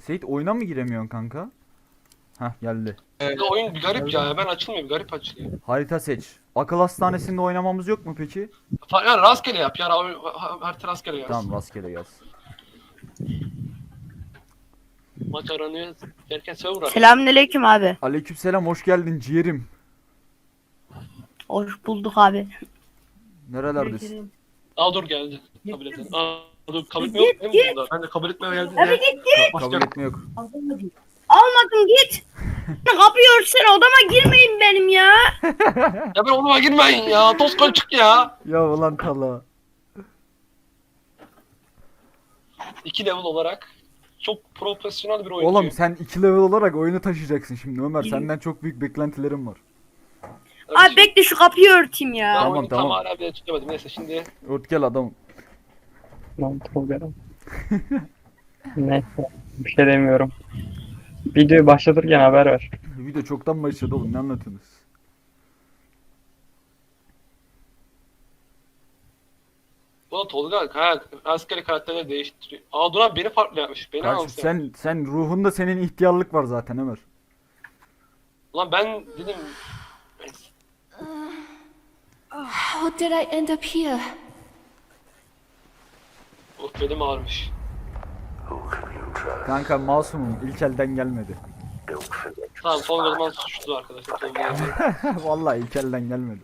Seyit oyuna mı giremiyorsun kanka? Hah geldi. Oyun bir garip ya. Hemen açılmıyor. Bir garip açılıyor. Harita seç. Akıl hastanesinde oynamamız yok mu peki? Yani rastgele yap. Yani harita rastgele yaz. Tamam rastgele yaz. Maç aranıyor derken server aranıyor. Selamünaleyküm abi. Aleykümselam, hoş geldin ciğerim. Hoş bulduk abi. Nerelerdesin? Aa dur geldi. Kabul edelim. Aa dur kabul etmiyor mu bunda? Ben de kabul etmeye geldim. Abi git. Kabul etme yok. Almadım git. Kapıyor sen odama girmeyin benim ya. Ya ben onuma girmeyin ya. Toz çık ya. Ya ulan tala. 2 level olarak çok profesyonel bir oyuncu. Oğlum sen 2 level olarak oyunu taşıyacaksın şimdi Ömer. Senden çok büyük beklentilerim var. Abi bekle şu kapıyı örteyim Ben ya. Tamam, oyunu tamam. tam hala bile tutamadım. Neyse şimdi Ört gel adamım. Lan Tolga'm. Neyse. Bir şey demiyorum. Videoyu başlatırken haber ver. Video çoktan başladı oğlum, ne anlatıyorsunuz? bu da Tolga rastgele karakterleri değiştiriyor. Aa Duran beni farklı yapmış. Beni Karşı, anlatıyor. sen ruhunda senin ihtiyarlık var zaten Ömer. Ulan ben dedim neyse. How did I end up here? Oh belim ağrımış. Kanka masumum, ilk elden gelmedi. Tamam Tolga o zaman suçlu arkadaşlar. Tolga. Vallahi ilk elden gelmedi.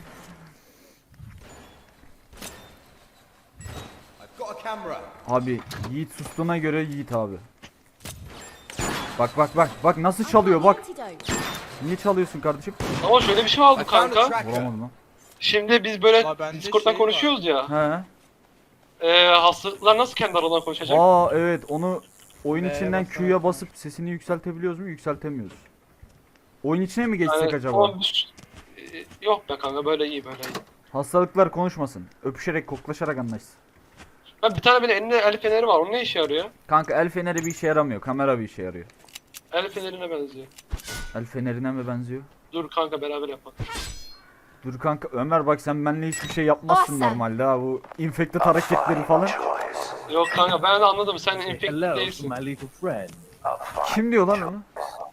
Abi Yiğit sustuğuna göre Yiğit abi. Bak nasıl çalıyor bak. Antidote. Niye çalıyorsun kardeşim? Ama şöyle bir şey oldu kanka. Vuramadım lan. Şimdi biz böyle Aa, bende Discord'dan şey konuşuyoruz ya. He. Hastalıklar nasıl kendi aralarına konuşacak? Aa evet, onu oyun B'ye içinden basarak. Q'ya basıp sesini yükseltebiliyoruz mu? Yükseltemiyoruz. Oyun içine mi geçsek Yani, acaba? ama yok be kanka böyle iyi böyle iyi. Hastalıklar konuşmasın. Öpüşerek, koklaşarak anlaşsın. Ben bir tane böyle elinde el feneri var. O ne işe yarıyor? Kanka el feneri bir işe yaramıyor. Kamera bir işe yarıyor. El fenerine benziyor. El fenerine mi benziyor? Dur kanka beraber yapalım. Dur kanka Ömer, bak sen benimle hiçbir şey yapmazsın Awesome. normalde ha, bu infected hareketleri falan. Yok kanka ben de anladım sen infected Hello to değilsin. my little friend. Kim diyor lan onu?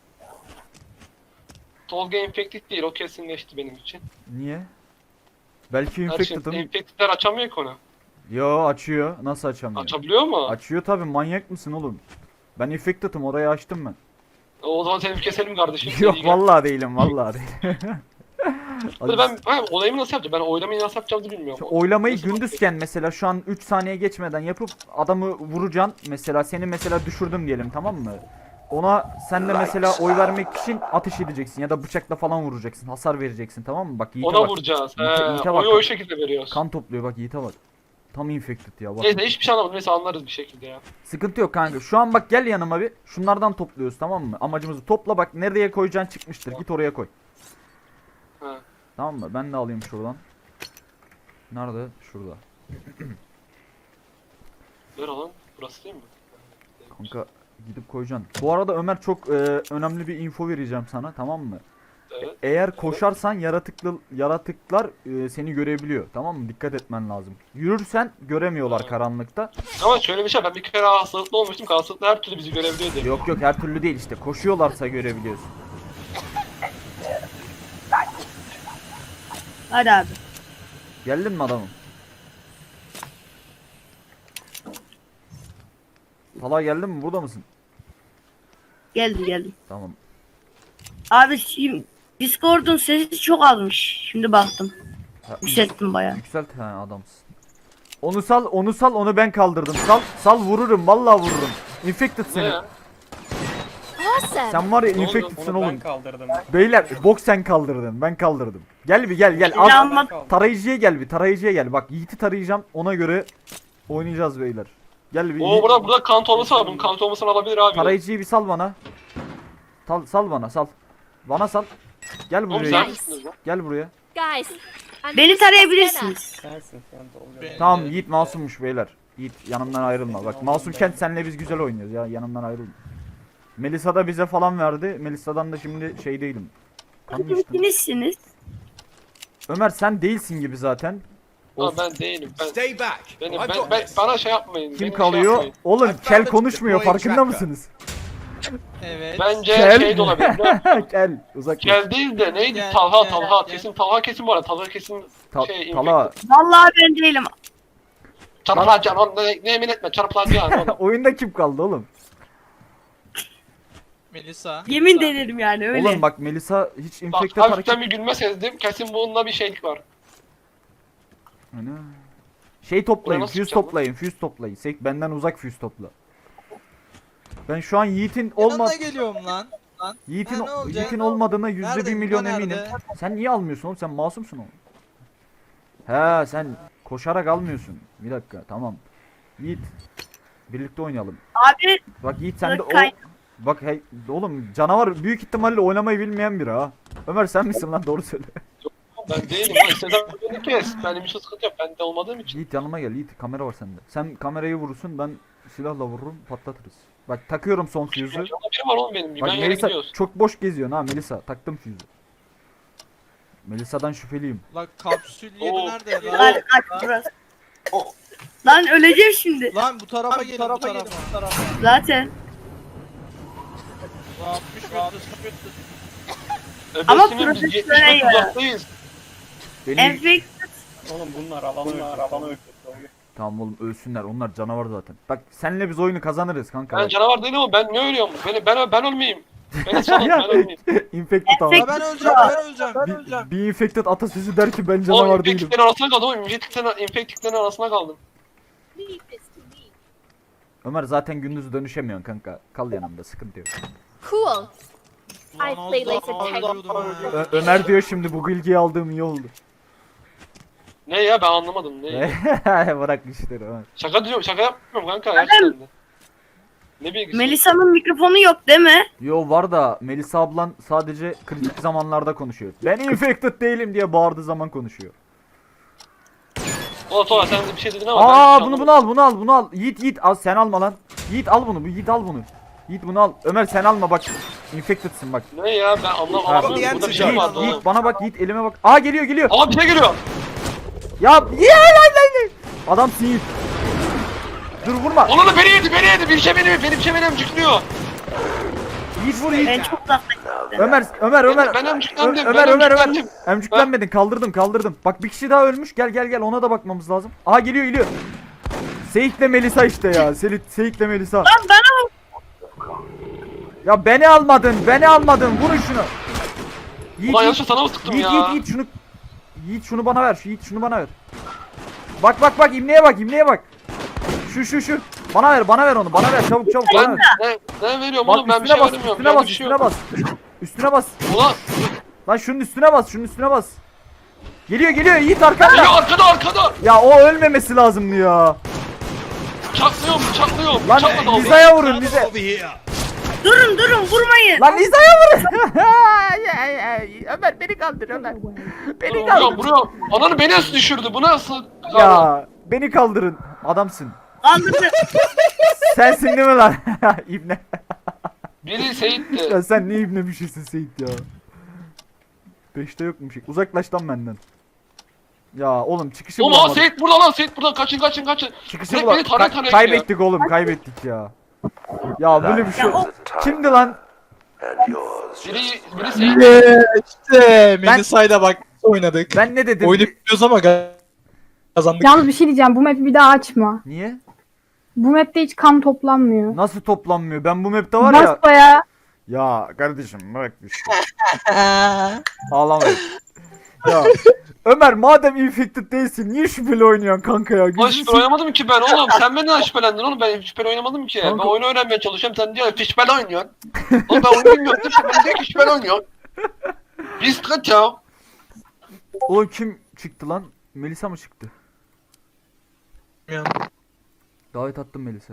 Tolga infected değil o kesinleşti benim için. Niye? Belki Her şey infected'ım. infected'ler açamıyor ki onu. Yo açıyor. Nasıl açamıyor? Açabiliyor mu? Açıyor tabi, manyak mısın oğlum? Ben infected'ım, orayı açtım ben. O zaman seni bir keselim kardeşim. Yok İyi gel. vallahi değilim, vallahi değilim. Hadi ben olayımı nasıl yapacağım? Ben oylamayı nasıl yapacağımı bilmiyorum. Şu oylamayı Nasıl gündüzken mesela şu an 3 saniye geçmeden yapıp adamı vuracaksın. Mesela seni mesela düşürdüm diyelim, tamam mı? Ona sen de mesela oy vermek için ateş edeceksin ya da bıçakla falan vuracaksın. Hasar vereceksin, tamam mı? Bak Yiğit'e Ona bak. vuracağız. Yiğit'e bak. Oyu o şekilde veriyoruz. Kan topluyor bak, Yiğit'e bak. Tam infected ya bak. Neyse hiçbir şey anlamadım. Neyse anlarız bir şekilde ya. Sıkıntı yok kanka. Şu an bak gel yanıma bir. Şunlardan topluyoruz, tamam mı? Amacımızı topla, bak nereye koyacaksın çıkmıştır. Git oraya koy. Ha. Tamam mı? Ben de alayım şuradan. Nerede? Şurada. Ver lan. Burası değil mi? Kanka gidip koyacaksın. Bu arada Ömer çok önemli bir info vereceğim sana, tamam mı? Evet. Eğer koşarsan yaratıklar seni görebiliyor, tamam mı? Dikkat etmen lazım. Yürürsen göremiyorlar karanlıkta. Ama şöyle bir şey ben bir kere hastalıklı olmuştum. Hastalıklı her türlü bizi görebiliyor diye. Yok her türlü değil işte. Koşuyorlarsa görebiliyorsun. Hadi abi. Geldin mi adamım? Hala geldin mi? Burada mısın? Geldim. Tamam. Abi şimdi Discord'un sesi çok azmış. Şimdi baktım. Ha, Yükselttim bayağı. Yükselt, ha adamsın. Onu sal, onu ben kaldırdım. Sal vururum, vallahi vururum. Infected Ne seni. ya? Awesome. Sen var ya Ne oldu? infected'sın Onu ben oğlum. kaldırdım. Beyler bok sen kaldırdın, ben kaldırdım. Gel gel. Şimdi alma. Tarayıcıya gel tarayıcıya gel. Bak Yiğit'i tarayacağım, ona göre oynayacağız beyler. Gel bir. Oo burada kan torbası var. Bunun kan torbasını alabilir abi. Tarayıcıyı bir sal bana. Sal bana, sal. Bana sal. Gel Oğlum buraya. sen Yiğit. misiniz lan? Gel buraya. Guys. Beni tarayabilirsiniz. Sensin sen Tolga. Tamam Yiğit masummuş beyler. Yiğit yanımdan ayrılma. Bak masumken senle biz güzel oynuyoruz ya, yanımdan ayrılma. Melisa da bize falan verdi. Melisa'dan da şimdi şey değilim. Kan mı içtin? Kimsiniz? Ömer sen değilsin gibi zaten. Aa, ben değilim. Stay back. Benim, I've got ben, this. bana şey yapmayın. Kim benim şey kalıyor? yapmayın. Oğlum I kel found the konuşmuyor, deploying farkında tracker. mısınız? Evet. Bence Kel. şey de olabilir. Gel uzak. Kel değil de neydi? Gel, Talha, gel, Talha. gel. Kesin Talha kesin bu arada. Talha kesin şey Tala. Vallahi ben değilim. Çarpılacaksın oğlum ne emin etme çarpılacaksın oğlum. Oyunda kim kaldı oğlum? Melisa. Yemin denerim yani öyle. Oğlum bak Melisa hiç Bak infected hareket. hafiften bir gülme sezdim. Kesin bunda bir şeylik var. Ana. Şey toplayın, Buraya nasıl füze çıkacağım toplayın, füze toplayın. Benden uzak füze topla. Ben şu an Yiğit'in Yanına geliyorum lan. Yiğit'in Ha, ne olacak? Yiğit'in olmadığına yüzde Nerede? bir milyon Nerede? eminim. Sen niye almıyorsun oğlum? Sen masumsun oğlum. He sen koşarak almıyorsun. Bir dakika tamam. Yiğit birlikte oynayalım. Abi Bak Yiğit sen de o Kay- bak hey oğlum canavar büyük ihtimalle oynamayı bilmeyen biri ha. Ömer sen misin lan doğru söyle. Ben değilim lan. İsteden beni kes. Benim için sıkıntı yok. Ben de olmadığım için. Yiğit yanıma gel Yiğit kamera var sende. Sen kamerayı vurursun ben silahla vururum patlatırız. Bak takıyorum son füze'ü. Yanımda biri var oğlum benim. Bak Ben yere Melisa gidiyoruz. çok boş geziyorsun ha Melisa taktım füze'ü. Melisa'dan şüpheliyim. Lan kapsül 7 Oo. nerede lan? lan kaç burası. Lan öleceğim şimdi. Lan bu tarafa gelin bu tarafa. Zaten. Lan 60 metre. Ama Öbürsünün biz 70 profesyonel metre ya. uzaktayız. Benim Enfekt Oğlum bunlar alanı öldürdü. tamam oğlum ölsünler onlar canavar zaten. Bak senle biz oyunu kazanırız kanka. Ben bak. canavar değilim ama ben ne ölüyorum? Ben ölmeyeyim. Beni salın ben ölmeyeyim. Infected ama. Ya ben öleceğim ben öleceğim ben öleceğim. Bir infected atasözü der ki ben Oğlum canavar değilim. infektiklerin arasına kaldım oğlum. İnfektiklerin arasına kaldım. Ömer zaten gündüz dönüşemiyorsun kanka. Kal yanımda sıkıntı yok. Cool. Lan I play laser tag. alıyordum öyle. Ömer diyor şimdi bu bilgiyi aldığım iyi oldu. Ne ya ben anlamadım. Ne? Bırak işleri Ömer. Şaka diyorum şaka yapmıyorum kanka gerçekten de. Ne bilgisi? Melisa'nın mikrofonu yok değil mi? Yo var da Melisa ablan sadece kritik zamanlarda konuşuyor. Ben infected değilim diye bağırdığı zaman konuşuyor. Ola Tola sen de bir şey dedin ama Aa ben bunu hiç bunu al bunu al bunu al. Yiğit al sen alma lan. Yiğit al bunu Yiğit al bunu. Yiğit bunu al. Ömer sen alma bak. Infected'sın bak. anlamadım. Ne ya ben anlamadım. Abi, Burada bir şey Yiğit, vardı oğlum. Yiğit bana bak Yiğit elime bak. Aa geliyor geliyor. Aa bir şey geliyor. Ya lan. Adamsın Yiğit. Dur vurma. Onu da beni yedi. Bir şey benim emcikliyor. Yiğit vur Yiğit. Ben çok uzaktayım. Ömer. Ben emciklendim. Ömer. Emcüklenmedin kaldırdım. Bak bir kişi daha ölmüş. Gel ona da bakmamız lazım. Aa geliyor. Seyit'le Melisa işte ya. Seyit'le Melisa. Lan bana Ya beni almadın. Vurun şunu. Ulan yanlışla sana mı sıktım ya? Yiğit şunu bana ver. Şunu bana ver. Bak imleye bak. Şu. Bana ver onu. Bana ver çabuk bana Ben ver. ne veriyorum Bak oğlum ben bir üstüne şey bas, vermiyorum. üstüne Bende bas, bir şey üstüne yok. bas. Üstüne bas. Ulan Lan şunun üstüne bas. Geliyor Yiğit arkanda. ya arkada. Ya o ölmemesi lazımdı ya. Çaklıyorum. Lan Çakla daldı. Liza'ya vurun Liza. durun vurmayın. Lan Liza'ya vurun. Ömer beni kaldır Ömer. Beni kaldır. Vuruyorum. Ananı beni nasıl düşürdü? Bu nasıl? Ya beni kaldırın. Adamsın. Kaldırdı. Sensin değil mi lan? İbne. Biri Seyit'ti. Ya sen ne ibne bir şeysin Seyit ya. 5'te yokmuş. Uzaklaş lan benden. Ya oğlum çıkışı Oğlum bulamadık. Seyit burada lan Seyit burada. Kaçın. Çıkışı Direkt bulamadık. beni taraya Kaybettik oğlum kaybettik ya. Ya böyle bir şey. Ya o- Kimdi lan? Biri Seyit. İşte Melisa'yla bak oynadık. Ben ne dedim? Oyunu biliyoruz ama kazandık. Yalnız bir şey diyeceğim. Bu map'i bir daha açma. Niye? Bu map'te hiç kan toplanmıyor. Nasıl toplanmıyor? Ben bu map'te var ya. Basbaya Ya kardeşim bırak işte. Ağlamayın. Ya Ömer madem infected değilsin niye şüpheli oynuyorsun kanka ya? Lan Gözünü şüpheli oynamadım ki ben oğlum. Sen benden şüphelendin oğlum. Ben şüpheli oynamadım ki. Kanka- Ben oyunu öğrenmeye çalışıyorum. Sen diyor şüpheli oynuyorsun. Oğlum ben oyunu bilmiyorum. Şüpheli diyor ki şüpheli oynuyor. Biz kaç ya? Oğlum kim çıktı lan? Melisa mı çıktı? Davet attım Melisa.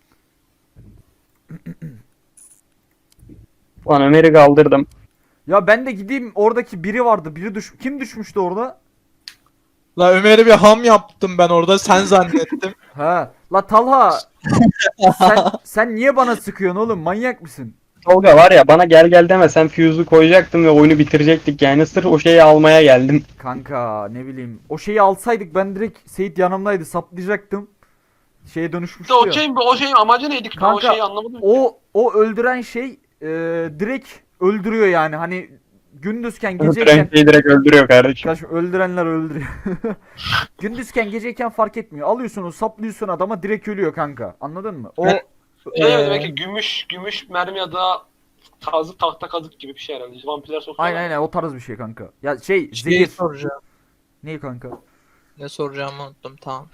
Lan Ömer'i kaldırdım. Ya ben de gideyim oradaki biri vardı. Kim düşmüştü orada? La Ömer'e bir ham yaptım ben orada sen zannettim. Ha. La Talha. sen niye bana sıkıyorsun oğlum? Manyak mısın? Tolga var ya bana gel deme sen fuse'u koyacaktım ve oyunu bitirecektik yani sırf o şeyi almaya geldim. Kanka ne bileyim. O şeyi alsaydık ben direkt Seyit yanımdaydı saplayacaktım. şeye Bir dönüşmüştü de o ya. şeyin, o şeyin amacı neydi ki? Ben o Kanka, şeyi anlamadım. O öldüren şey direkt öldürüyor yani. Hani gündüzken Öldüren geceyken şeyi direkt öldürüyor kardeşim. Kardeşim öldürenler öldürüyor. Gündüzken geceyken fark etmiyor. Alıyorsun onu saplıyorsun adama direkt ölüyor kanka. Anladın mı? O Şey mi demek ki gümüş mermi ya da tahta kazık gibi bir şey herhalde. Vampirler sokuyorlar. aynen o tarz bir şey kanka. Ya şey Şeyi zehir. soracağım. Ne kanka? Ne soracağımı unuttum, tamam.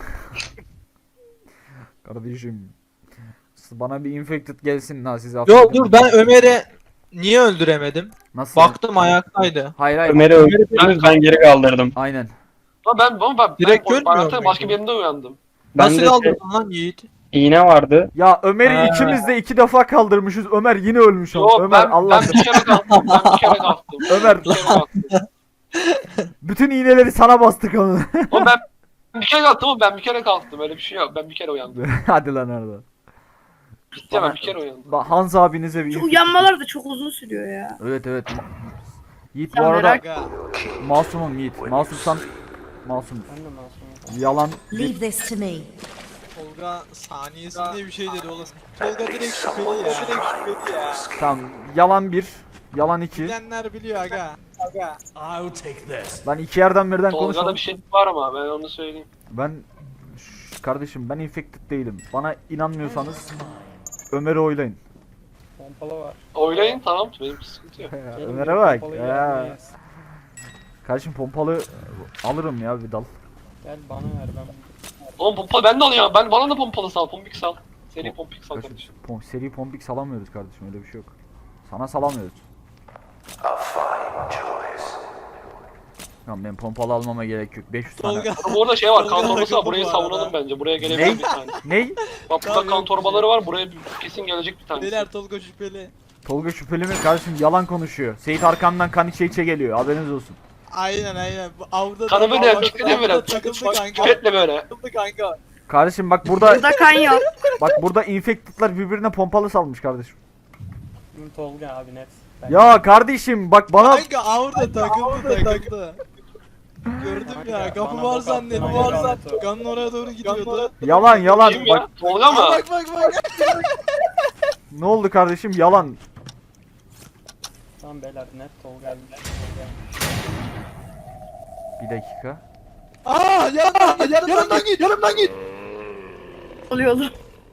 Kardeşim. Bana bir infected gelsin ha size Yok dur, ben Ömer'i niye öldüremedim? Nasıl? Baktım ayaktaydı. Hayır hayır. Ömer'i öldürdünüz, ben geri kaldırdım. Aynen. Ama ben Direkt ben görmüyor hayatımın muyum? başka bir yerinde uyandım. Ben Nasıl de kaldırdın lan Yiğit? iğne vardı. Ya Ömer'i ikimiz de 2 defa kaldırmışız. Ömer yine ölmüş ama. Yok Ömer Allah ben bir kere kalktım. Ben bir kere kalktım. Ömer Bir kere kalktım. bütün iğneleri sana bastık onu. Ama ben bir kere kalktım ama ben bir kere kalktım. Öyle bir şey yok. Ben bir kere uyandım. Hadi lan orada. Ciddi ben bir kere uyandım. Bak Hans abinize bir Şu infected- uyanmalar da çok uzun sürüyor ya. Evet evet. Yiğit bu Ya arada merak- Aga. masumum Yiğit. Masumsan masum. Yalan. Leave this to me. Tolga saniyesinde bir şey dedi oğlum. Tolga direkt şüpheli ya. Direkt şüpheli ya. Tamam. Yalan 1. Yalan 2. Bilenler biliyor aga. Aga. Ben iki yerden birden Tolga'da konuşalım. bir şey var ama ben onu söyleyeyim. Ben kardeşim ben infected değilim. Bana inanmıyorsanız Ömer'i oylayın. Oylayın tamam. Benim sıkıntı yok. Ömer'e bak. Ya. Kardeşim pompalı alırım ya bir dal. Oğlum pompalı ben de alıyorum. Bana da pompalı sal. Pompik sal. Seri pompik sal kardeşim. Seri pompik salamıyoruz kardeşim öyle bir şey yok. Sana salamıyoruz. Tamam ben pompalı almama gerek yok. 500 tane. Tolga. Ama orada şey var. Kan Tolga'da torbası var. kapı Burayı bu savunalım arada. bence. Buraya gelebilir Ney? bir tane. Ney? Bak burada Tamam, kan yok, torbaları var. Buraya kesin gelecek bir tane. Beyler Tolga şüpheli. Tolga şüpheli mi? Kardeşim yalan konuşuyor. Seyit arkamdan kan içe içe geliyor. Haberiniz olsun. Aynen. Bu avda Kanı böyle avda- pikledi böyle. avda takıldı kanka. Pipetle böyle. Takıldı kanka. Kardeşim bak burada Burada kan yok. bak burada infected'lar birbirine pompalı salmış kardeşim. Tolga abi net. Ya kardeşim bak bana Kanka avda takıldı. Gördüm ya, kapı Bana var bak zannettim. attı, Var bana zannettim. bak Kanın oraya doğru gidiyordu. yalan Kim bak ya? Tolga mı? Bak. ne oldu kardeşim yalan. Tamam beyler net Tolga abi. Bir dakika. Aa yanımdan git. Oluyor olur.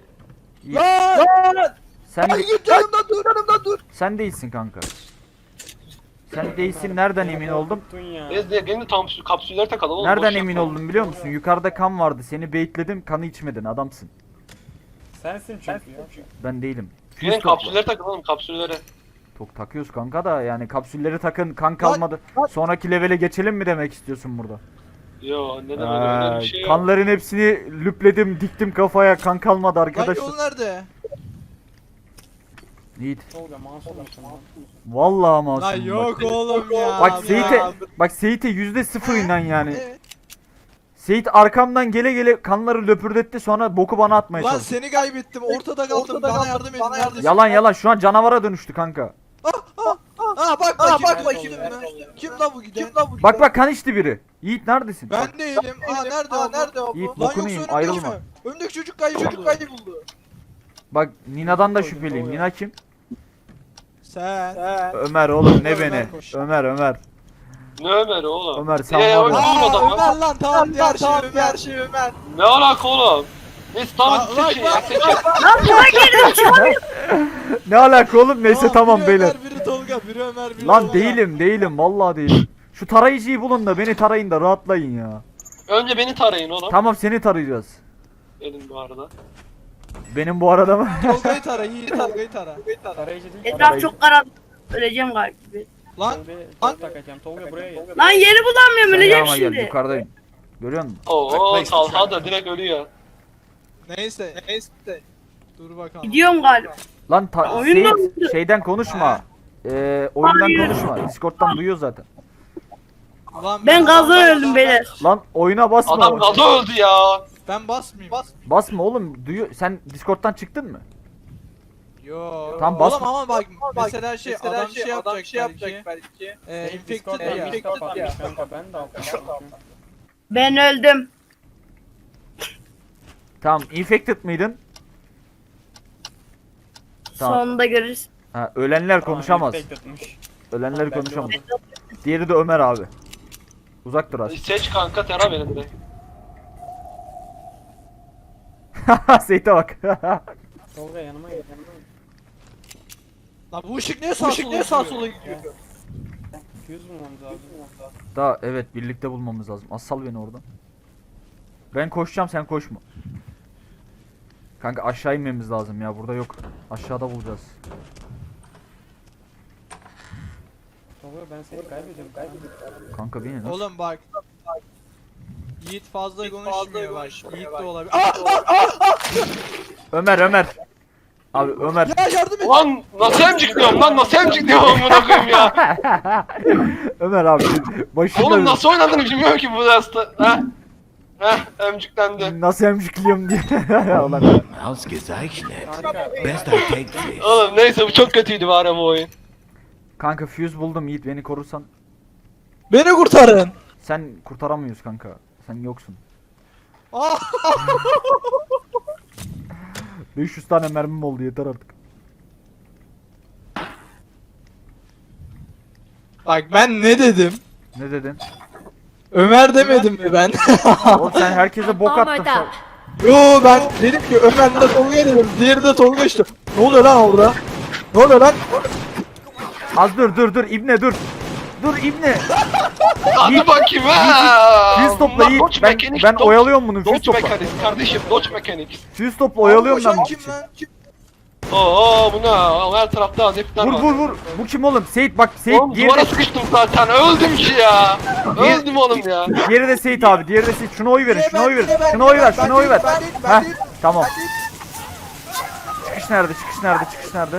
Lan Sen de, yanımdan dur. sen değilsin kanka. Sen değilsin nereden emin oldum? Tuttun ya. Biz de yeni tam kapsüller takalım oğlum. Nereden boş emin yapma. oldum biliyor musun? Yukarıda kan vardı. Seni baitledim. Kanı içmedin. Adamsın. Sensin çünkü ya. Ben değilim. Gelin Fuse topla. kapsülleri takalım kapsülleri. Çok takıyoruz kanka da yani kapsülleri takın kan kalmadı. Sonraki levele geçelim mi demek istiyorsun burada? Yo neden öyle bir şey yok. Kanların hepsini lüpledim, diktim kafaya. Kan kalmadı Lan arkadaşlar. yol nerede? Yiğit. Tolga masum musun lan? Vallahi masum. Lan yok oğlum ya. Bak Ya. Seyit'e %0 inan yani. Evet. Seyit arkamdan gele gele kanları löpürdetti sonra boku bana atmaya Lan çalıştı. seni kaybettim. Ortada kaldım. Bana yardım edin. Neredesin? Yalan şu an canavara dönüştü kanka. Aa bak bakayım. Kim lan bu giden? Bak kan içti biri. Yiğit neredesin? Bak, Ben değilim. Nerede o? Yiğit Lan bokunu yoksa yiyeyim, önümdeki ayrılma. mi? Önümdeki çocuk kayboldu. bak Nina'dan da şüpheliyim. Nina kim? Sen. Ömer oğlum ne Ömer beni? koş. Ömer. Ne Ömer oğlum? Ömer, sen Ya, var ya. Ömer adam ya. Ömer lan tamam diğer şey Ömer. Ne alaka oğlum? Neyse tamam Bak, seçin bak, ya seçin. Lan buna girdim çıkamıyorum. Ne alaka oğlum? Neyse tamam biri beyler. Ömer, biri Tolga, biri Ömer, biri Lan Tolga. değilim vallahi değilim. Şu tarayıcıyı bulun da beni tarayın da rahatlayın ya. Önce beni tarayın oğlum. Tamam seni tarayacağız. Gelin bu arada. Benim bu arada mı? Tolga'yı tara, Yiğit Tolga'yı tara. Tarayıcı değil. Etraf çok karanlık. Öleceğim galiba. Lan Tolga takacağım. Tolga buraya gel. Lan yeri bulamıyorum Sen öleceğim yanıma gel şimdi. yukarıdayım. Görüyor musun? Oo Talha da direkt ölüyor. neyse. Dur bakalım. Gidiyorum galiba. Lan Oyundan Seyit, mı? şeyden konuşma. Oyundan Hayır. konuşma. Discord'dan duyuyor zaten. Lan Ben gazdan öldüm beyler. Lan oyuna basma. Adam gaza öldü ya. Ben basmayayım. Basma oğlum. Duyuyor. Sen Discord'dan çıktın mı? Yo. Tamam, bas. Oğlum ama bak mesela adam şey yapacak belki. Infected Discord'dan ya. bir kapatmış kanka ben de aldım. Ben öldüm. Tamam, infected mıydın? Tamam. Sonunda görürüz. Ha, ölenler konuşamaz. Infected'mış. Ölenler konuşamaz. Diğeri de Ömer abi. Uzak dur az. Seç kanka Tera benim de. Seyit'e bak. Tolga yanıma gel. Lan bu ışık niye sağa sola gidiyor? 200 bulmamız lazım. Daha evet, birlikte bulmamız lazım. Asal beni oradan. Ben koşacağım, sen koşma. Kanka aşağı inmemiz lazım ya, burada yok. Aşağıda bulacağız. Tolga ben seni kaybediyorum. Kanka beni nasıl? Oğlum bak. Yiğit fazla konuşmuyor bak. Yiğit de olabilir. Ömer. Abi Ömer. Ya yardım et. Lan nasıl emcikliyorum lan, nasıl emcikliyorum amına koyayım ya. Ömer abi başında Oğlum nasıl oynadığını bilmiyorum ki bu derste. Emciklendi. nasıl emcikliyorum diye. Ulan. Ausgezeichnet. Kanka. Bester Take Oğlum neyse bu çok kötüydü bari bu oyun. Kanka fuse buldum Yiğit, beni korursan. Beni kurtarın. Sen kurtaramıyoruz kanka. Sen yoksun. Ah! 500 tane mermim oldu, yeter artık. Bak ben ne dedim? Ne dedin? Ömer demedim mi ben? Oğlum sen herkese bok attın. Almost up. Yo ben dedim ki Ömer de Tolga'ya dedim. Diğeri de Tolga işte. Ne oluyor lan orada? Ne oluyor lan? Az dur İbne dur. Dur İbne. Hadi bakayım ha. Fuse topla Yiğit. Dodge Ben Mechanics, oyalıyorum bunu. Fuse Dodge topla. Mechanics kardeşim, Dodge Mechanics. Fuse topla oyalıyorum ben. Koşan kim lan? Oo bu ne? Her tarafta azepler var. Vur. Bu kim oğlum? Seyit bak, Seyit Oğlum diğeri duvara de, sıkıştım zaten, öldüm ki ya. Diğer- Öldüm oğlum ya. diğeri de Seyit abi. Diğeri de Seyit. Şuna oy verin. Şuna oy verin. Ben Şuna oy ver. değilim, Şuna oy ver. ben değilim, ben Heh, değilim. tamam. Çıkış nerede? Çıkış nerede?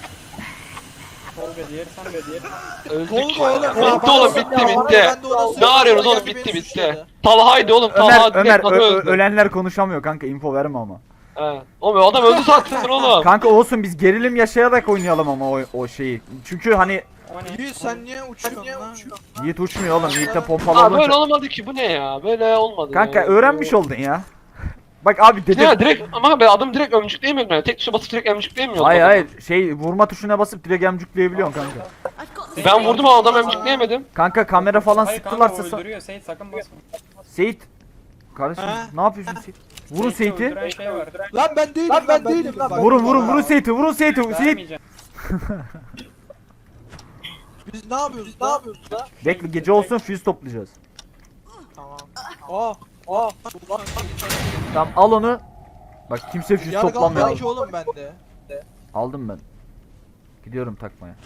Tolga diğeri sen de diğeri. Öldük Tolga ya. oğlum. Bitti oğlum, bitti bitti. Ne arıyorsunuz oğlum, bitti Beni bitti. suçladı. Talha'ydı oğlum, Talha Ömer direkt bana öldü. ölenler konuşamıyor kanka, info verme ama. He. Oğlum adam öldü zaten oğlum. Kanka olsun, biz gerilim yaşayarak oynayalım ama o şeyi. Çünkü hani O ne? Yiğit sen niye uçuyorsun lan? Yiğit uçmuyor oğlum. Yiğit'te Aa pompalı böyle olunca. olmadı ki, bu ne ya? Böyle olmadı. Kanka ya. öğrenmiş oldun ya. Bak abi dedim. Ya direkt ama ben adam direkt ömcükleyemiyorum yani. Tek tuşa basıp direkt ömcükleyemiyorum. Hayır şey, vurma tuşuna basıp direkt emcükleyebiliyorsun kanka. Ben vurdum ama adam ömcükleyemedim. Kanka kamera falan Hayır kanka sıktılarsa o öldürüyor. Seyit sakın basma. Seyit. Kardeşim Ha? ne yapıyorsun Seyit? Vurun Seyit'i Seyit'i. öldüren şey var. Lan ben değilim, ben değilim lan. Vurun Seyit'i. Seyit. Vermeyeceğim. Biz ne yapıyoruz? Ne yapıyoruz lan? Bekle, gece olsun fuse toplayacağız. Tamam. Aa. Tamam al onu. Bak kimse fuse Yargı toplamıyor. almıyor ki oğlum bende. Aldım ben. Gidiyorum takmaya.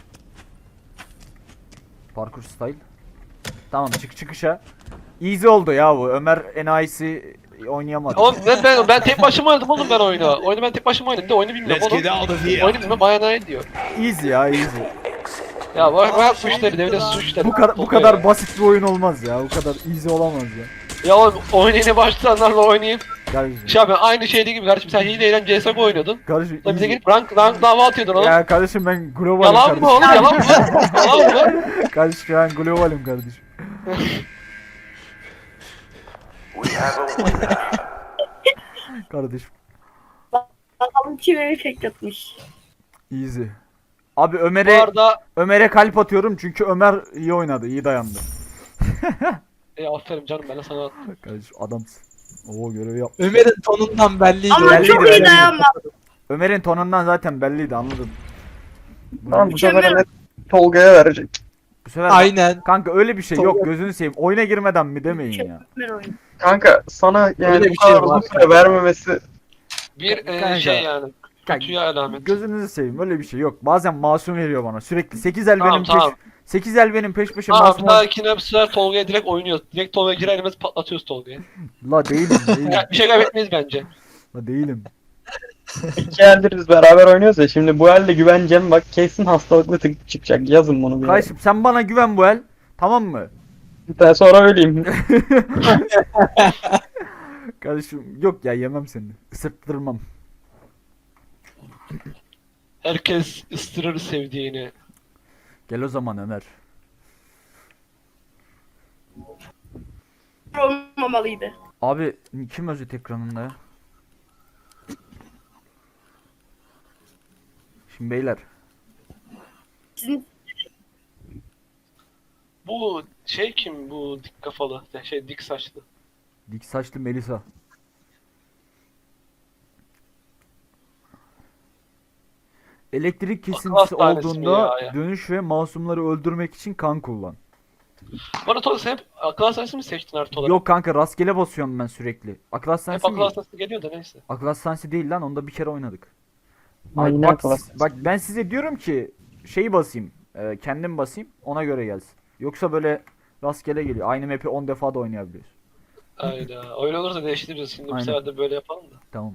Parkur style. Tamam çıkışa. Easy oldu ya bu. Ömer enayisi oynayamadı. Oğlum ben tek başıma oynadım oğlum ben oyunu. Oyunu ben tek başıma oynadım. Bir de oyunu bilmiyorum Let's oğlum. get out of here. Oyunu bilmem bayağı ne diyor. Easy ya, easy. Ya bak bu işleri, devlet su işleri. Bu kadar basit bir oyun olmaz ya. Bu kadar easy olamaz ya. Ya oğlum oyunu yeni başlayanlarla oynayayım. Kardeşim. Şey abi aynı şeydi gibi kardeşim, sen hileyle CSGO oynuyordun. Kardeşim. Lan bize easy. gelip rank dava atıyordun oğlum. Ya kardeşim ben globalim Yalan mı kardeşim. oğlum, yalan mı? Yalan mı? Kardeşim ben globalim kardeşim. Kardeşim. Bakalım kime efekt atmış. Easy. Abi Bu arada Ömer'e kalp atıyorum çünkü Ömer iyi oynadı, iyi dayandı. aferin canım, ben de sana Kardeşim adamsın. Oo, görevi yap. Ömer'in tonundan belliydi. Ama Belliydi, çok iyi belliydi. dayanma. Ömer'in tonundan zaten belliydi, anladım. Tamam, bu sefer Mükemmel. Enes Tolga'ya verecek. Bu sefer Aynen. kanka öyle bir şey yok, gözünü seveyim. Oyuna girmeden mi demeyin ya. Mükemmel oyun. Kanka sana yani Öyle bu bir şey kadar var. uzun süre vermemesi bir Kanka. şey yani. Kanka, Kötüye alamet. gözünüzü seveyim, öyle bir şey yok. Bazen masum veriyor bana sürekli. 8 el Tamam, benim tamam. 8 el benim peş peşe Tamam masum bir dahakine bu sefer Tolga'ya direkt oynuyoruz. Direkt Tolga'ya girer girmez patlatıyoruz Tolga'yı. La değilim. Ya, bir şey kaybetmeyiz bence. La değilim. 2 eldir biz beraber oynuyoruz ya, şimdi bu elde güveneceğim, bak kesin hastalıklı tık çıkacak, yazın bunu bir yere. Kardeşim sen bana güven bu el. Tamam mı? Ben sonra öleyim. Kardeşim yok ya, yemem seni. Isırttırmam. Herkes ıstırır sevdiğini. Gel o zaman Ömer. Olmamalıydı. Abi kim özet ekranında ya? Şimdi beyler. Bu şey kim bu dik kafalı şey dik saçlı. Dik saçlı Melisa. Elektrik kesintisi hastanesi mi olduğunda ya? dönüş ve masumları öldürmek için kan kullan. Bana Tolga sen hep akıl hastanesi mi seçtin artı olarak? Yok kanka rastgele basıyorum ben sürekli. Akıl Hep hastanesi akıl mi? hastanesi geliyor da neyse. Akıl hastanesi değil lan, onda bir kere oynadık. Aynen Bak, akıl hastanesi. bak ben size diyorum ki şeyi basayım. Kendim basayım ona göre gelsin. Yoksa böyle rastgele geliyor. Aynı map'i 10 defa da oynayabiliyoruz. Ayda. Öyle olursa değiştiririz. Şimdi bu Aynen. sefer de böyle yapalım da. Tamam.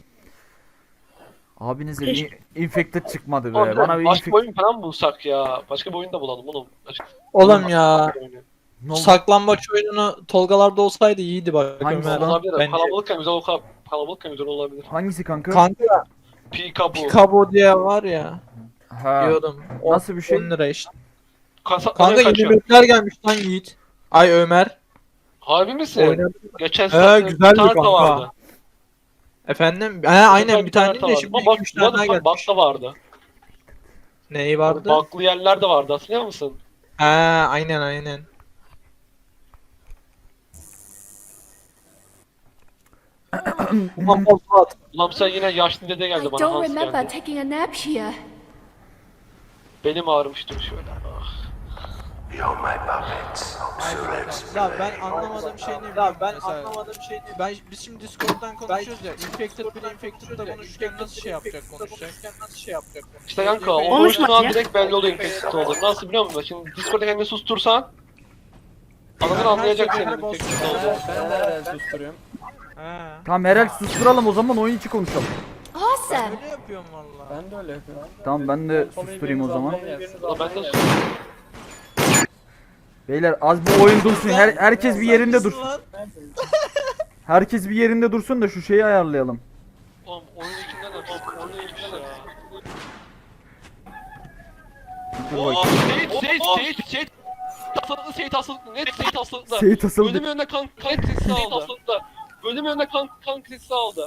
Abinize bir infected çıkmadı be. Oğlum, Bana bir başka bir infected... oyun falan bulsak ya. Başka bir oyun da bulalım oğlum. Oğlum ya. Ne oldu? Saklambaç oyununu Tolgalarda olsaydı iyiydi bak Hangisi Ömer. lan? Olabilir. Bence. Kalabalıkken güzel kalabalıkken güzel olabilir. Hangisi kanka? Kanka Pikabu. Picabo diye var ya. Ha. Diyordum. Nasıl bir şey? 10 lira işte. Kanka Kanka yeni kaçıyor. mapler gelmiş lan Yiğit. Ay Ömer. Harbi misin? Oynadı. Geçen He, sene güzeldi bir tane de kanka. vardı. Efendim? He aynen bir tane de vardı. şimdi Ama 2-3 tane daha gelmiş. bak da vardı. Neyi vardı? Baklı yerler de vardı hatırlıyor musun? He aynen. Ulan Polat. Ulan sen yine yaşlı dede I geldi bana don't Hans remember geldi. taking a nap here. Benim ağrımıştır şöyle. Ah. You're my puppets. Ya ben anlamadığım şey ne biliyor musun? Biz şimdi Discord'dan konuşuyoruz ya. Infected biri Infected'da konuşurken nasıl şey yapacak konuşacak? İşte kanka o Konuşma konuştuğun an ya. direkt belli oluyor infeksiyon olduğunu. Nasıl biliyor musun? Şimdi Discord'da kendini sustursan adamın anlayacak senin infeksiyon olduğunu. Ben de herhalde susturuyorum. He. Tamam Herhal susturalım o zaman, oyun içi konuşalım. Awesome. Öyle yapıyorum valla. Ben de öyle yapıyorum. Tamam ben de susturayım o zaman. Ulan ben de Beyler az bir oyun dursun. Herkes bir yerinde dursun. Herkes bir yerinde dursun da şu şeyi ayarlayalım. Oğlum oyun içinden de oyun içinden de. Dur Oo, bakayım. Seyit hastalıklı Seyit hastalıklı net Seyit hastalıklı. Seyit asıldı. Bölüm önüne kan sesi aldı. Bölüm önüne kan sesi aldı.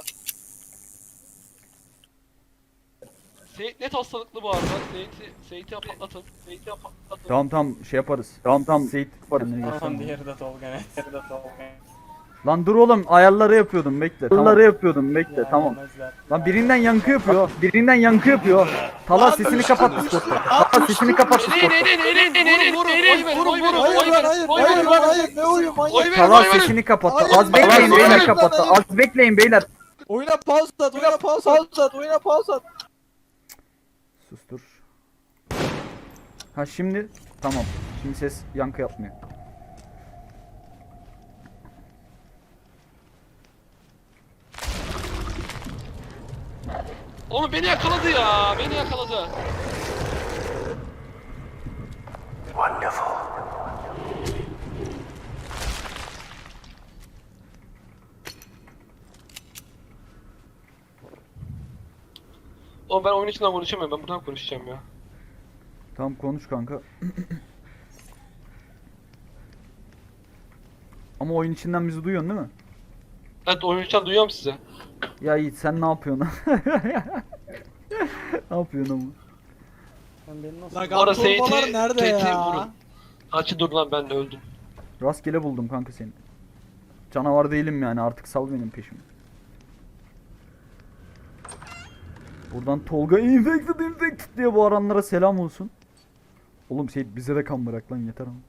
Seyit net hastalıklı bu arada. Seyit'i patlatın. Tamam şey yaparız. Tamam Seyit kendini Tamam gösterme. diğeri de Tolga net. Lan dur oğlum ayarları yapıyordum bekle. Ayarları yapıyordum bekle Ya, tamam. yemezler. Lan birinden yankı yapıyor. Tala sesini kapat Discord'da. Tala sesini kapat Discord'da. Hayır ne oyun manyak. Tala sesini kapat. Az bekleyin beyler kapattı. Az bekleyin beyler. Oyuna pause at. Sustur. Ha şimdi tamam. Şimdi ses yankı yapmıyor. Oğlum beni yakaladı ya. Beni yakaladı. Wonderful. Oğlum ben oyun içinden konuşamıyorum. Ben buradan konuşacağım ya. Tamam konuş kanka. Ama oyun içinden bizi duyuyorsun değil mi? Evet oyun içinden duyuyorum sizi. Ya Yiğit sen ne yapıyorsun? Ne yapıyorsun ama? Sen beni nasıl... Lan Orada torbalar Seyit'i nerede ya? vurun. Açı dur lan ben öldüm. Rastgele buldum kanka seni. Canavar değilim yani, artık sal benim peşimi. Buradan Tolga infected diye bağıranlara selam olsun. Oğlum Seyit bize de kan bırak lan yeter ama.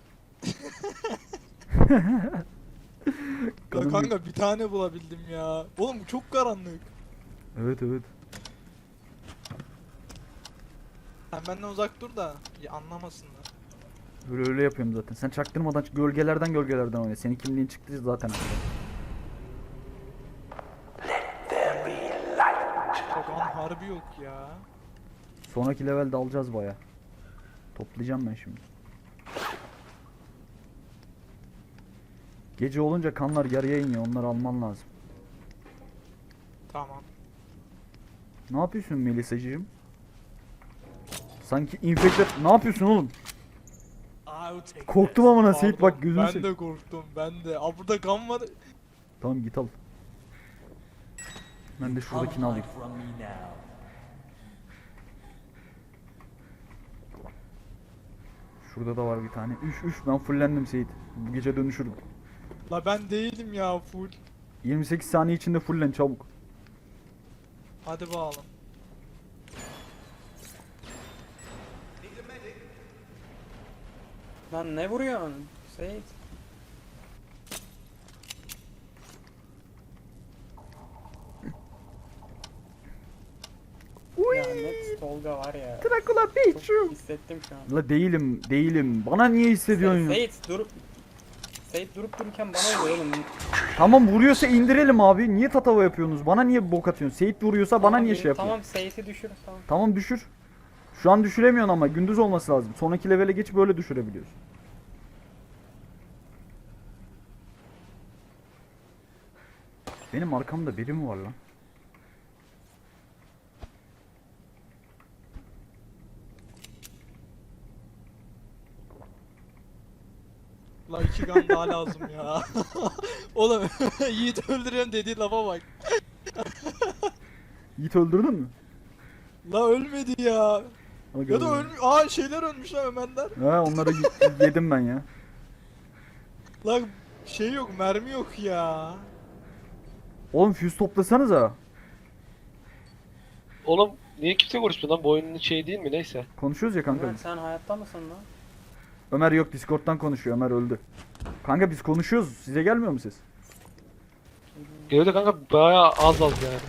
Kanım- Kanka bir tane bulabildim ya. Oğlum çok karanlık. Evet. Sen benden uzak dur da anlamasınlar. Öyle yapıyorum zaten. Sen çaktırmadan gölgelerden oyna. Senin kimliğin çıktı zaten. Kokan harbi yok ya. Sonraki levelde alacağız baya. Toplayacağım ben şimdi. Gece olunca kanlar yarıya iniyor. Onları alman lazım. Tamam. Ne yapıyorsun Melisacığım? Sanki infected... Ne yapıyorsun oğlum? Korktum ama Seyit bak gözünü Ben seveyim. de korktum ben de. Aa burada kan var. Tamam git al. Ben de şuradakini alayım. Şurada da var bir tane. Üf ben fullendim Seyit. Bu gece dönüşürüm. La ben değilim ya full. 28 saniye içinde fullen çabuk. Hadi bakalım. Lan ne vuruyorsun? Seyit. Ya net Tolga var ya. Dracula Çok Pikachu. hissettim şu an. La değilim. Bana niye hissediyorsun ya? Seyit durup dururken bana vuruyor oğlum. Tamam vuruyorsa indirelim abi. Niye tatava yapıyorsunuz? Bana niye bok atıyorsun? Seyit vuruyorsa bana Tamam, niye şey yapıyorsun? Tamam Seyit'i düşür tamam. Tamam düşür. Şu an düşüremiyorsun ama gündüz olması lazım. Sonraki levele geç böyle düşürebiliyorsun. Benim arkamda biri mi var lan? La 2 gun daha lazım ya. Oğlum Yiğit öldürüyorum dediği lafa bak. Yiğit öldürdün mü? La ölmedi ya. Aga Ya da be. ölmüş. Aa şeyler ölmüş lan Ömerler. Ha onları yedim ben ya. La şey yok mermi yok ya. Oğlum füze toplasanıza. Oğlum niye kimse konuşmuyor lan? Bu oyunun şeyi değil mi? Neyse. Konuşuyoruz ya kanka Ömer biz. sen hayatta mısın lan? Ömer yok Discord'dan konuşuyor. Ömer öldü. Kanka biz konuşuyoruz. Size gelmiyor mu ses? Geliyor da kanka bayağı az yani.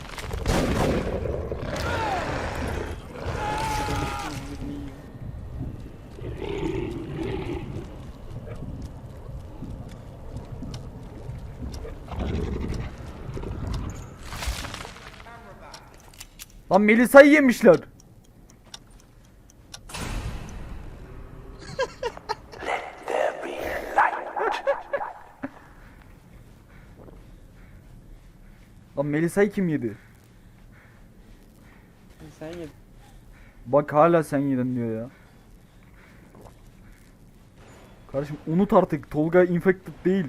Lan Melisa'yı yemişler. There be light. Lan Melisa'yı kim yedi? Sen yedin. Bak hala sen yedin diyor ya. Kardeşim unut artık. Tolga infected değil.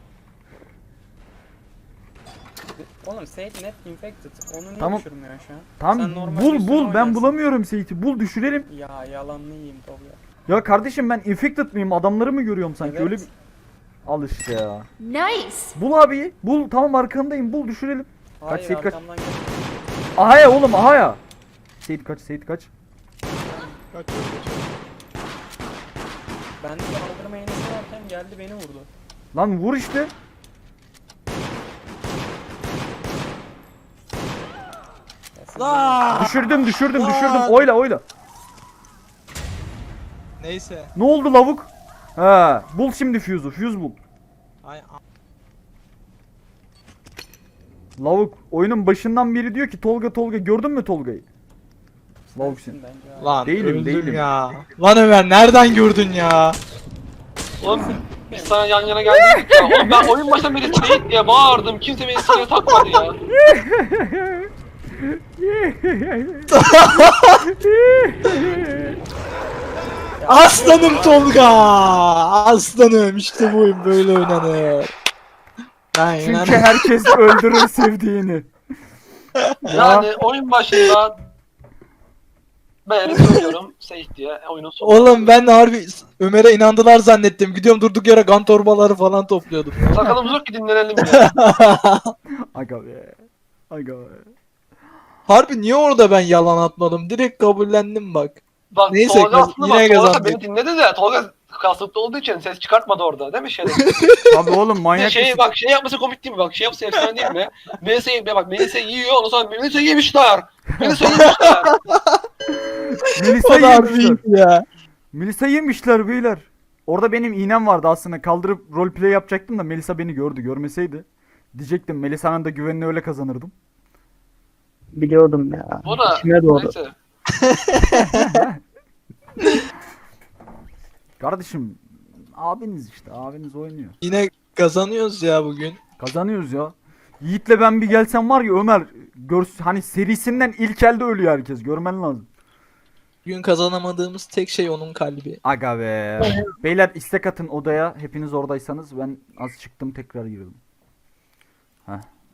Oğlum Seyit net infected. Onu niye Tamam. düşürmüyor şu an? Tamam Sen normal bul üstüne bul ben oynarsın. bulamıyorum Seyit'i. Bul düşürelim. Ya yalanını yiyeyim Tolga. Ya kardeşim ben infected miyim? Adamları mı görüyorum sanki? Evet. Öyle bir... Al işte ya. Nice. Bul abi. Bul tamam arkandayım. Bul düşürelim. Hayır Seyit, kaç. arkamdan gel. Aha ya oğlum aha ya. Seyit kaç Seyit kaç. Kaçıyorum. Ben de kaldırma iğnesi varken geldi beni vurdu. Lan vur işte. Ya siz La! Düşürdüm. Lan! Oyla. Neyse. Ne oldu lavuk? He, bul şimdi fuse'u. Fuse bul. Ay Lavuk oyunun başından beri diyor ki Tolga gördün mü Tolga'yı? Lavuk sensin sen. bence abi. lan Değilim, öldüm değilim. ya. Lan Ömer nereden gördün ya? Oğlum biz sana yan yana geldik ya. Oğlum ben oyun başından beri Seyit diye bağırdım. Kimse beni size takmadı ya. Aslanım Tolga! Aslanım işte bu oyun böyle oynanır. Aynen. Çünkü herkes öldürür sevdiğini. Yani oyun başında ben söylüyorum Seyit diye oyunun sonu. Oğlum ben de harbi Ömer'e inandılar zannettim. Gidiyorum durduk yere kan torbaları falan topluyordum. Sakalımız yok ki dinlenelim ya. Aga be. Harbi niye orada ben yalan atmadım? Direkt kabullendim bak. Bak Neyse, Tolga aslında yine bak Tolga kazandık. beni dinledi de Tolga kasıtlı olduğu için ses çıkartmadı orada değil mi şeyde? Abi oğlum manyak şey mısın? bak şey yapması komik değil mi? Bak şey yapsa efsane değil mi? Melisa yiyor ondan sonra Melisa yemişler. Melisa yemişler. Melisa O da harbi yemişler. iyiydi ya. Melisa yemişler beyler. Orada benim iğnem vardı aslında. Kaldırıp roleplay yapacaktım da Melisa beni gördü. Görmeseydi. Diyecektim Melisa'nın da güvenini öyle kazanırdım. Biliyordum ya. Bu da İçime doğdu. neyse. Kardeşim abiniz işte. Abiniz oynuyor. Yine kazanıyoruz ya bugün. Kazanıyoruz ya. Yiğit'le ben bir gelsem var ya Ömer hani serisinden ilk elde ölüyor herkes. Görmen lazım. Bugün kazanamadığımız tek şey onun kalbi. Aga be. Beyler istek atın odaya. Hepiniz oradaysanız ben az çıktım tekrar girdim. Heh.